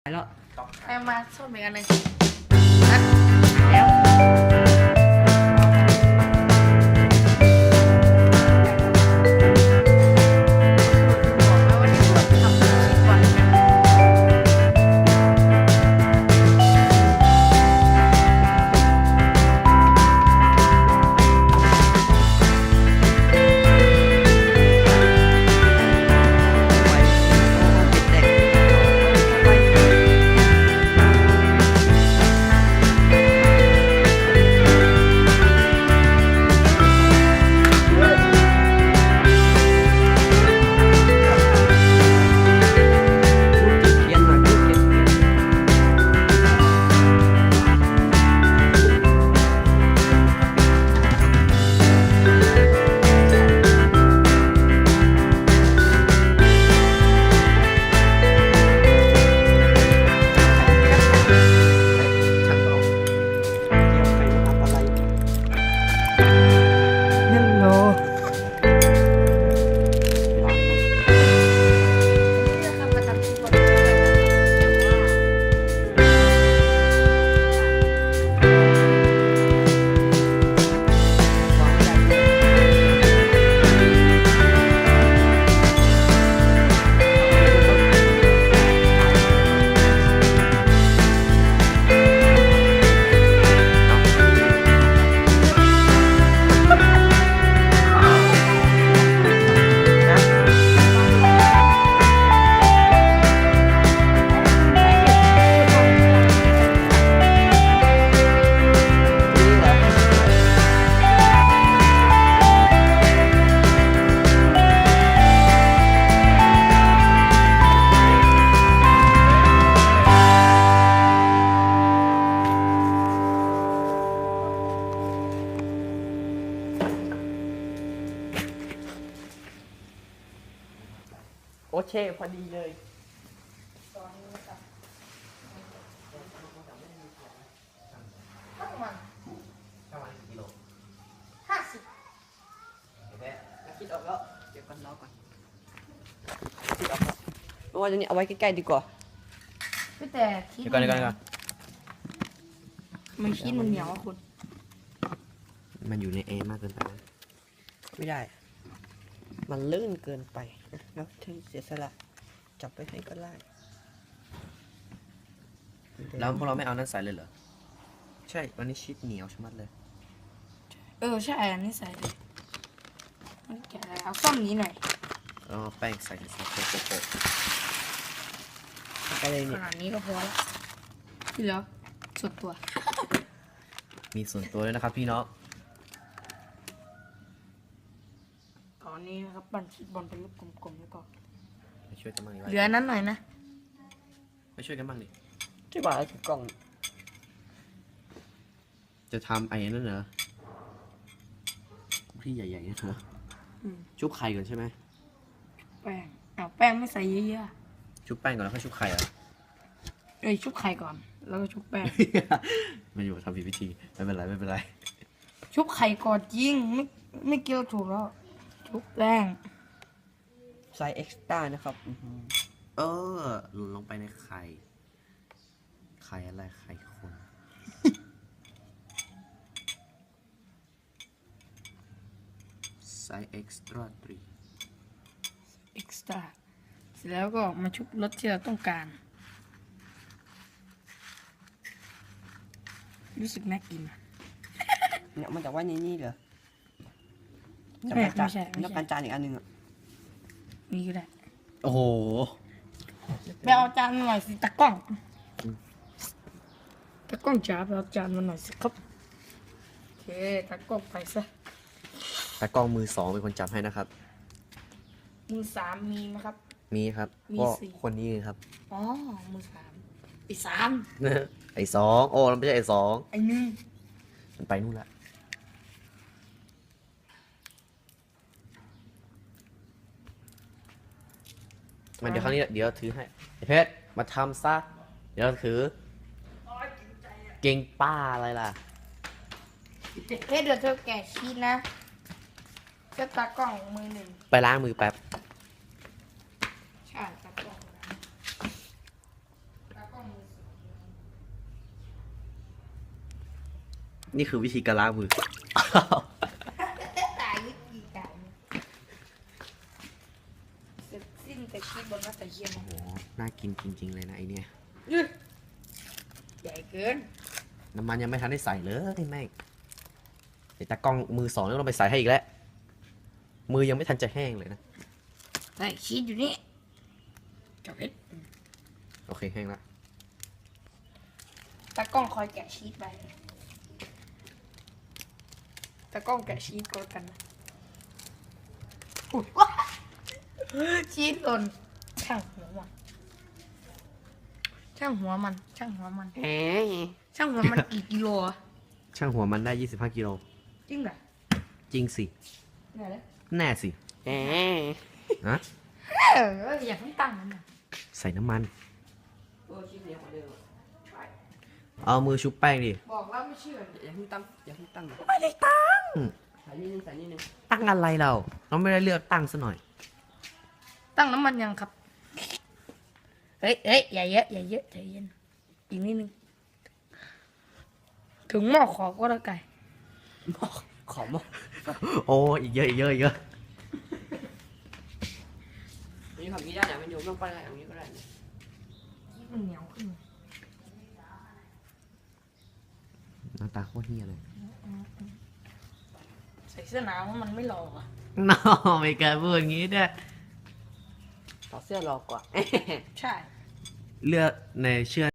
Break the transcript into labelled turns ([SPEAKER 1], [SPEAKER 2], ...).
[SPEAKER 1] แล้ว
[SPEAKER 2] ไปมาส้มอีกอันหนึ่งนะแล้วบอกแล้วว่าที่ควรทำชิ้นก่อน
[SPEAKER 1] โอเคพอดีเลย
[SPEAKER 2] ประมาณ
[SPEAKER 1] กิโล
[SPEAKER 2] 50
[SPEAKER 1] คิดออกแล้วเดี๋ยวก่อนรอก่อนคิดออกแล้วเพราะว่าตัวนี้เอาไว้ใกล้ๆดีกว่า
[SPEAKER 2] พี่แต่ที่
[SPEAKER 3] เดี๋ยวก่อน
[SPEAKER 2] มันชิ้นมันเหนียวอะคุณ
[SPEAKER 3] มันอยู่ในแอร์มากเกินไปนะ
[SPEAKER 1] ไม่ได้ มันลื่นเกินไปแล้วถึงเสียสละจับไปให้ก็ได้
[SPEAKER 3] แล้วพวกเราไม่เอานั้นใส่เลยเหรอ ใช่ วันนี้ชีสเหนียวชะมัดเลย
[SPEAKER 2] ใช่อันนี้ใส่เลยมันแกะเอาส้มนี้หน่อย
[SPEAKER 3] แล้วเอาแป้งใส่โปะ
[SPEAKER 1] ไปเลย
[SPEAKER 2] ข
[SPEAKER 1] เนี่ย
[SPEAKER 2] นาดนี้ก็พอละที่เหลือสุดตัว
[SPEAKER 3] มีส่วนตัวด้วยนะครับพี่น้อง
[SPEAKER 2] ตอนนี้นะครับปั้นชีสบอลเป็นรูปกลมๆแล้วก็
[SPEAKER 3] ไปช่วยกันบ้างดิ
[SPEAKER 2] เหลือนั้นหน่อยนะ
[SPEAKER 3] ไปช่วยกันบ้างดิ
[SPEAKER 1] ที่ว่าเอากล่อง
[SPEAKER 3] จะทำไอ้นั่นเหรอที่ใหญ่ๆนี่เหรอ
[SPEAKER 2] อืม
[SPEAKER 3] ชุบไข่ก่อนใช่ไหม
[SPEAKER 2] แป้งเอาแป้งไม่ใส่เยอะ
[SPEAKER 3] ชุบแป้งก่อนแล้วค่อยชุบไข่เหรอ
[SPEAKER 2] ชุบไข่ก่อนแล้วก็ชุบแป้ง
[SPEAKER 3] มันอยู่ทำผิดวิธี ไม่เป็นไร
[SPEAKER 2] ชุบไข่ก่อนจริงไม่เกี่ยวถูกแล้วชุบแป้ง
[SPEAKER 1] ไซส์เอ็กซ์ต้านะครับ
[SPEAKER 3] หลุนลงไปในไข่ ไข่อะไร ไข่คน ไซส์เอ็กซ์ตร้า
[SPEAKER 2] เอ็กซ์ตร้าเสร็จแล้วก็มาชุบรสที่เราต้องการรู้สึกน่ากินอะ
[SPEAKER 1] เนี่ยมันจากว่านี่เหรอ
[SPEAKER 2] ไม่ใช่
[SPEAKER 1] ต้องการจานอีกอันหนึ่งอ่ะ
[SPEAKER 2] นี่ก็ได้
[SPEAKER 3] โอ้โห
[SPEAKER 2] ไปเอาจานมาหน่อยสิตากล้องจ๋าไปเอาจานมาหน่อยสิครับโอเคตากล้องไปซะ
[SPEAKER 3] แต่กล้องมือสองเป็นคนจับให้นะครับ
[SPEAKER 2] มือ3มีไหมครับ
[SPEAKER 3] มีครับ
[SPEAKER 2] มี
[SPEAKER 3] ก็
[SPEAKER 2] สี่
[SPEAKER 3] คนนี้ครับ
[SPEAKER 2] อ๋อมือ3อี3
[SPEAKER 3] ไอ้สองโอ้เราไม่ใช่ไอ้สอง
[SPEAKER 2] ไอ้1
[SPEAKER 3] มันไปนู่นละ มันเดี๋ยวครั้งนี้เดี๋ยวถือให้ไอ้เพชรมาทำซะเดี๋ยวถือเก่งป้าอะไรล่ะ
[SPEAKER 2] เฮ้ยเดี๋ยวเธอแกะชีสนะเจ้าตากล้องมือหนึ่ง
[SPEAKER 3] ไปล้างมือแป๊บ
[SPEAKER 2] ใช่ตากล้องตากล้อง
[SPEAKER 3] นี่คือวิธีการล้างมือ
[SPEAKER 2] ตายวิธีการเสร็จสิ้นแต่คิดบนวัตถุเทียน
[SPEAKER 3] โอ้โห น่ากินจริง ๆ เลยนะไอเนี่ย
[SPEAKER 2] ใหญ่เกิน
[SPEAKER 3] น้ำมันยังไม่ทันได้ใส่เลยแม่งเดี๋ยวตากล้องมือสองต้องไปใส่ให้อีกแล้ว มือยังไม่ทันจะแห้งเลยนะ
[SPEAKER 2] ใส่ชีสอยู่นี่จับเพชร
[SPEAKER 3] โอเคแห้งแล้ว
[SPEAKER 2] ตากล้องคอยแกะชีสไปตากล้องแกะชีสก่อนกันนะอุ๊ยว้าชีสหล่นช่างหัวมันช่างหัวมันช่างหัวมัน
[SPEAKER 1] แหม
[SPEAKER 2] ช่างหัวมันกี่กิโลอะ
[SPEAKER 3] ช่างหัวมันได้ 25 กิโล
[SPEAKER 2] จริงเหรอ
[SPEAKER 3] จริงสิ
[SPEAKER 2] เนี่ยเลย
[SPEAKER 3] แน่สิ
[SPEAKER 1] แหม
[SPEAKER 3] ฮะ
[SPEAKER 2] อยากให้ตั้งมันนะ
[SPEAKER 3] ใส่น้ำมัน
[SPEAKER 1] โอ้ชิ้นเหนียวกว่าเดิมอะ
[SPEAKER 3] เอามือชุบแป้งดิ
[SPEAKER 2] บอกแล้วไม่เชื่อ
[SPEAKER 1] อย่าเพิ่งตั้งอย่าเพิ่งตั้ง
[SPEAKER 2] ไม่ได้ตั้ง
[SPEAKER 1] ใส่นิดนึงใส่นิดนึง
[SPEAKER 3] ตั้งอะไรเรา เราไม่ได้เลือกตั้งซะหน่อย
[SPEAKER 2] ตั้งน้ำมันยังครับเฮ้ยเฮ้ยอย่าเยอะอย่าเยอะใจเย็นอีกนิดนึงถึงหม้อขอก็แล้วไก่
[SPEAKER 1] ขอหมก
[SPEAKER 3] โอ้อีกเยอะอีกเยอะอีกเยอะ
[SPEAKER 1] นี่ทำนี้ได้นะมันโยมต้องไปอะไรอย่างนี้ก็ได้นะ
[SPEAKER 2] ชีสมันเหนียวขึ้น
[SPEAKER 3] หน้าตาโคตรเฮียเลย
[SPEAKER 2] ใส่เสื้อหนาวมันไม่หล่ออ่ะ
[SPEAKER 3] น้อไม่กล้าพูดอย่างนี้ด้วย
[SPEAKER 1] ถอดเสื้อรอกว่า
[SPEAKER 2] ใช่
[SPEAKER 3] เลือกในเชื่อ